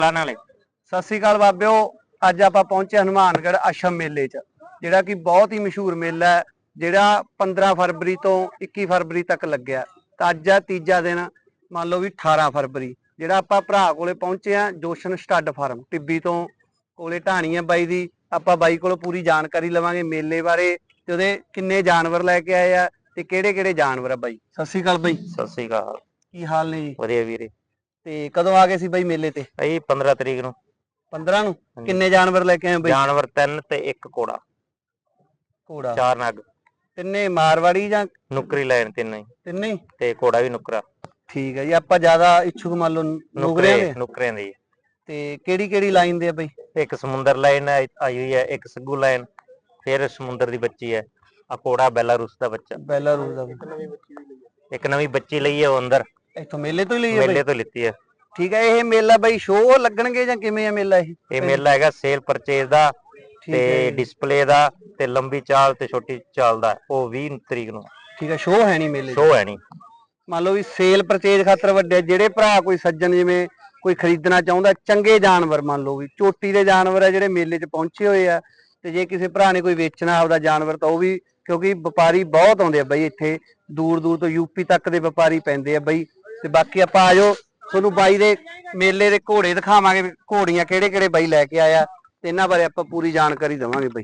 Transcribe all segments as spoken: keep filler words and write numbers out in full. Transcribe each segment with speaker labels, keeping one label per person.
Speaker 1: ਨਾਲੇ
Speaker 2: ਸਤਿ ਸ੍ਰੀ ਅਕਾਲ ਬਾਬਿਓ। ਅੱਜ ਆਪਾਂ ਪਹੁੰਚੇ ਹਨੂਮਾਨਗੜ੍ਹ ਅਸ਼ਮ ਮੇਲੇ 'ਚ, ਜਿਹੜਾ ਕਿ ਬਹੁਤ ਹੀ ਮਸ਼ਹੂਰ ਮੇਲਾ ਹੈ, ਜਿਹੜਾ ਪੰਦਰਾਂ ਫਰਵਰੀ ਤੋਂ ਇੱਕੀ ਫਰਵਰੀ ਤੱਕ ਲੱਗਿਆ। ਤਾਂ ਅੱਜ ਆ ਤੀਜਾ ਦਿਨ, ਮੰਨ ਲਓ ਵੀ ਅਠਾਰਾਂ ਫਰਵਰੀ। ਜਿਹੜਾ ਆਪਾਂ ਭਰਾ ਕੋਲੇ ਪਹੁੰਚੇ ਆ ਜੋਸ਼ਨ ਸਟੱਡ ਫਾਰਮ ਟਿੱਬੀ ਤੋਂ ਕੋਲੇ ਢਾਣੀ ਆ ਬਾਈ ਦੀ। ਆਪਾਂ ਬਾਈ ਕੋਲੋਂ ਪੂਰੀ ਜਾਣਕਾਰੀ ਲਵਾਂਗੇ ਮੇਲੇ ਬਾਰੇ, ਤੇ ਉਹਦੇ ਕਿੰਨੇ ਜਾਨਵਰ ਲੈ ਕੇ ਆਏ ਆ ਤੇ ਕਿਹੜੇ ਕਿਹੜੇ ਜਾਨਵਰ ਆ। ਬਾਈ ਸਤਿ ਸ੍ਰੀ ਅਕਾਲ। ਬਾਈ
Speaker 1: ਸਤਿ ਸ੍ਰੀ ਅਕਾਲ,
Speaker 2: ਕੀ ਹਾਲ ਨੇ ਜੀ?
Speaker 1: ਵਧੀਆ ਵੀਰੇ।
Speaker 2: ਤੇ ਕਦੋਂ ਆ ਗਏ ਸੀ ਬਾਈ ਮੇਲੇ ਤੇ?
Speaker 1: ਇਹ ਪੰਦਰਾਂ ਤਰੀਕ ਨੂੰ।
Speaker 2: ਪੰਦਰਾਂ ਨੂੰ। ਕਿੰਨੇ ਜਾਨਵਰ ਲੈ ਕੇ ਆਏ ਬਾਈ?
Speaker 1: ਜਾਨਵਰ ਤਿੰਨ ਤੇ ਇੱਕ ਘੋੜਾ।
Speaker 2: ਘੋੜਾ
Speaker 1: ਚਾਰ ਨਗ।
Speaker 2: ਤਿੰਨੇ ਮਾਰਵਾੜੀ ਜਾਂ
Speaker 1: ਨੁਕਰੀ ਲੈਣ ਤਿੰਨੇ ਹੀ,
Speaker 2: ਤਿੰਨੇ ਹੀ?
Speaker 1: ਤੇ ਘੋੜਾ ਵੀ ਨੁਕਰਾ।
Speaker 2: ਠੀਕ ਹੈ ਜੀ। ਆਪਾਂ ਜ਼ਿਆਦਾ ਇੱਛੁਕ ਮੰਨ ਲਓ ਨੁਕਰਿਆਂ ਦੇ।
Speaker 1: ਨੁਕਰਿਆਂ ਦੀ।
Speaker 2: ਤੇ ਕਿਹੜੀ ਕਿਹੜੀ ਲਾਈਨ ਦੇ ਆ ਬਾਈ?
Speaker 1: ਇੱਕ ਸਮੁੰਦਰ ਲਾਈਨ ਆਈ ਹੋਈ ਹੈ, ਇੱਕ ਸੱਗੂ ਲਾਈਨ, ਫਿਰ ਸਮੁੰਦਰ ਦੀ ਬੱਚੀ ਹੈ। ਆ ਘੋੜਾ ਬੈਲਾਰੂਸ ਦਾ ਬੱਚਾ।
Speaker 2: ਬੈਲਾਰੂਸ ਦਾ।
Speaker 1: ਇੱਕ ਨਵੀਂ ਬੱਚੀ ਲਈ ਹੈ ਉਹ ਅੰਦਰ
Speaker 2: ਇੱਥੋਂ ਮੇਲੇ ਤੋਂ ਹੀ ਲਈ ਹੈ?
Speaker 1: ਮੇਲੇ ਤੋਂ ਲਿੱਤੀ ਹੈ।
Speaker 2: ਠੀਕ ਹੈ। ਇਹ ਮੇਲਾ ਬਾਈ ਸ਼ੋਅ ਲੱਗਣਗੇ ਜਾਂ ਕਿਵੇਂ ਆ ਮੇਲਾ ਇਹ?
Speaker 1: ਇਹ ਮੇਲਾ ਹੈਗਾ ਸੇਲ ਪਰਚੇਜ਼ ਦਾ ਤੇ ਡਿਸਪਲੇ ਦਾ ਤੇ ਲੰਬੀ ਚਾਲ ਤੇ ਛੋਟੀ ਚਾਲ ਦਾ। ਉਹ ਵੀਹ ਤਰੀਕ ਨੂੰ।
Speaker 2: ਠੀਕ ਹੈ। ਸ਼ੋਅ ਹੈ ਨਹੀਂ ਮੇਲੇ?
Speaker 1: ਸ਼ੋਅ ਹੈ ਨਹੀਂ।
Speaker 2: ਮੰਨ ਲਓ ਵੀ ਸੇਲ ਪਰਚੇਜ਼ ਖਾਤਰ ਵੱਡੇ ਜਿਹੜੇ ਭਰਾ ਕੋਈ ਸੱਜਣ ਜਿਵੇਂ ਕੋਈ ਖਰੀਦਣਾ ਚਾਹੁੰਦਾ ਚੰਗੇ ਜਾਨਵਰ, ਮੰਨ ਲਓ ਵੀ ਚੋਟੀ ਦੇ ਜਾਨਵਰ ਆ ਜਿਹੜੇ ਮੇਲੇ 'ਚ ਪਹੁੰਚੇ ਹੋਏ ਆ, ਤੇ ਜੇ ਕਿਸੇ ਭਰਾ ਨੇ ਕੋਈ ਵੇਚਣਾ ਆਪਦਾ ਜਾਨਵਰ ਤਾਂ ਉਹ ਵੀ, ਕਿਉਂਕਿ ਵਪਾਰੀ ਬਹੁਤ ਆਉਂਦੇ ਆ ਬਈ ਇੱਥੇ, ਦੂਰ ਦੂਰ ਤੋਂ ਯੂਪੀ ਤੱਕ ਦੇ ਵਪਾਰੀ ਪੈਂਦੇ ਆ ਬਈ। ਤੇ ਬਾਕੀ ਆਪਾਂ ਆਜੋ ਤੁਹਾਨੂੰ ਬਾਈ ਦੇ ਮੇਲੇ ਦੇ ਘੋੜੇ ਦਿਖਾਵਾਂਗੇ, ਘੋੜੀਆਂ ਕਿਹੜੇ ਕਿਹੜੇ ਬਾਈ ਲੈ ਕੇ ਆਇਆ ਤੇ ਇਹਨਾਂ ਬਾਰੇ ਆਪਾਂ ਪੂਰੀ ਜਾਣਕਾਰੀ ਦੇਵਾਂਗੇ ਬਾਈ।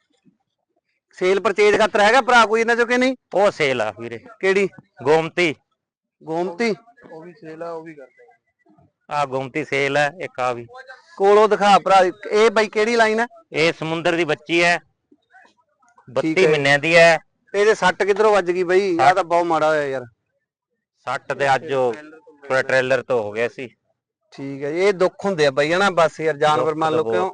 Speaker 2: ਸੇਲ ਪਰਚੇਜ਼ ਖਾਤਰ ਹੈਗਾ ਭਰਾ ਕੋਈ ਇਹਨਾਂ ਚੋਂ ਕਿ ਨਹੀਂ?
Speaker 1: ਉਹ ਸੇਲ ਆ ਵੀਰੇ।
Speaker 2: ਕਿਹੜੀ?
Speaker 1: ਗੋਮਤੀ।
Speaker 2: ਗੋਮਤੀ
Speaker 3: ਉਹ ਵੀ ਸੇਲ ਆ, ਉਹ ਵੀ ਕਰਦੇ
Speaker 1: ਆ ਗੋਮਤੀ ਸੇਲ ਹੈ। ਇੱਕ ਆ ਵੀ
Speaker 2: ਕੋਲੋਂ ਦਿਖਾ ਭਰਾ। ਇਹ ਬਾਈ ਕਿਹੜੀ ਲਾਈਨ ਹੈ?
Speaker 1: ਇਹ ਸਮੁੰਦਰ ਦੀ ਬੱਚੀ ਹੈ, ਬੱਤੀ ਮਹੀਨਿਆਂ ਦੀ ਹੈ।
Speaker 2: ਇਹਦੇ ਸੱਟ ਕਿੱਧਰੋਂ ਵੱਜ ਗਈ ਬਈ? ਆਹ ਤਾਂ ਬਹੁਤ ਮਾੜਾ ਹੋਇਆ ਯਾਰ।
Speaker 1: ਸੱਟ ਤੇ ਅੱਜ ਉਹ ਪੂਰਾ ਟ੍ਰੇਲਰ ਤੋਂ ਹੋ ਗਿਆ ਸੀ।
Speaker 2: ਠੀਕ ਹੈ। ਇਹ ਦੁੱਖ ਹੁੰਦੇ ਆ ਬਈ ਹਨਾ, ਬਸ ਯਾਰ ਜਾਨਵਰ ਮੰਨ ਲਓ ਕਿਉਂ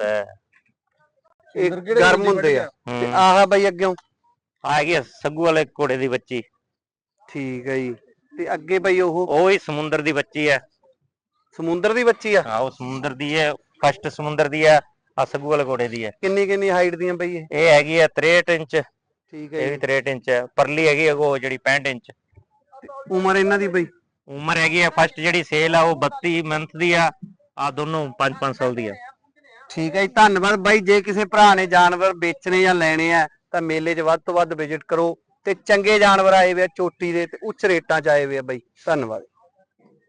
Speaker 2: ਇਹ ਗਰਮ ਹੁੰਦੇ ਆ। ਤੇ ਆਹ ਬਈ ਅੱਗਿਓਂ
Speaker 1: ਆ ਗਈ ਸੱਗੂ ਵਾਲੇ ਘੋੜੇ ਦੀ ਬੱਚੀ।
Speaker 2: ਠੀਕ ਹੈ ਜੀ। ਤੇ ਅੱਗੇ ਬਈ ਉਹ
Speaker 1: ਉਹ ਹੀ ਸਮੁੰਦਰ ਦੀ ਬੱਚੀ ਹੈ।
Speaker 2: ਸਮੁੰਦਰ ਦੀ ਬੱਚੀ ਆ?
Speaker 1: ਹਾਂ ਉਹ ਸਮੁੰਦਰ ਦੀ ਹੈ, ਫਸਟ ਸਮੁੰਦਰ ਦੀ ਹੈ। ਆ ਸੱਗੂ ਵਾਲੇ ਘੋੜੇ ਦੀ ਹੈ।
Speaker 2: ਕਿੰਨੀ ਕਿੰਨੀ ਹਾਈਟ ਦੀਆਂ ਬਈ ਇਹ?
Speaker 1: ਇਹ ਹੈਗੀ ਹੈ ਤਰੇਹਠ ਇੰਚ।
Speaker 2: ਠੀਕ ਹੈ।
Speaker 1: ਇਹ ਵੀ ਤਰੇਹਠ ਇੰਚ ਹੈ। ਪਰਲੀ ਹੈਗੀ ਉਹ ਜਿਹੜੀ ਪੈਂਹਠ ਇੰਚ।
Speaker 2: ਉਮਰ ਇਹਨਾਂ ਦੀ ਬਈ?
Speaker 1: ਉਮਰ ਹੈਗੀ ਆ ਫਸਟ ਜਿਹੜੀ ਸੇਲ ਆ ਉਹ ਬੱਤੀ ਮੰਥ ਦੀ ਆ। ਆ ਦੋਨੋਂ ਪੰਜ ਪੰਜ ਸਾਲ ਦੀ ਆ।
Speaker 2: ਠੀਕ ਹੈ ਜੀ। ਧੰਨਵਾਦ ਬਾਈ। ਜੇ ਕਿਸੇ ਭਰਾ ਨੇ ਜਾਨਵਰ ਵੇਚਣੇ ਜਾਂ ਲੈਣੇ ਆ ਤਾਂ ਮੇਲੇ 'ਚ ਵੱਧ ਤੋਂ ਵੱਧ ਵਿਜ਼ਿਟ ਕਰੋ, ਤੇ ਚੰਗੇ ਜਾਨਵਰ ਆਏ ਵੇ ਆ ਚੋਟੀ ਦੇ ਤੇ ਉੱਚ ਰੇਟਾਂ 'ਚ ਆਏ ਵੇ ਆ ਬਾਈ। ਧੰਨਵਾਦ।